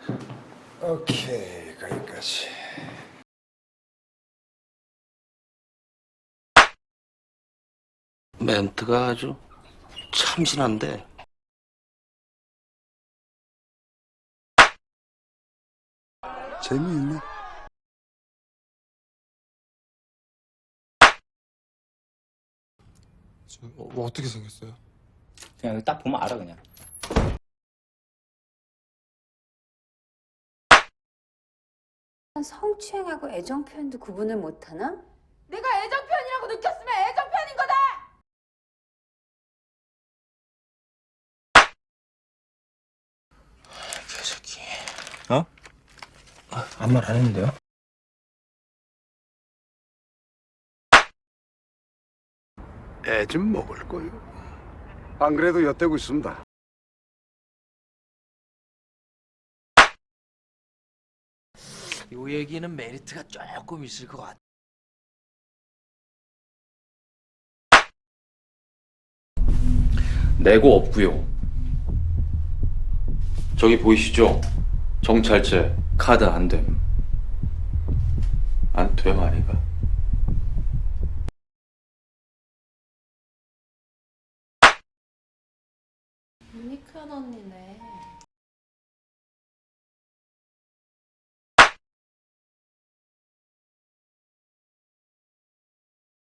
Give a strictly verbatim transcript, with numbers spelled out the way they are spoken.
오케이, 거기까지. 멘트가 아주 참신한데. 재미있네. 저, 어, 뭐 어떻게 생겼어요? 그냥 여기 딱 보면 알아 그냥. 성추행하고 애정 표현도 구분을 못하나? 내가 애정 표현이라고 느꼈으면 애정 표현인 거다! 개새끼. 어? 아무 말 안 했는데요? 애 좀 먹을 거요. 안 그래도 엿대고 있습니다. 요 얘기는 메리트가 조금 있을 것 같아. 내고 없고요. 저기 보이시죠? 정찰제 카드 안 됨. 안 됨 아니가? 유니크한 언니네.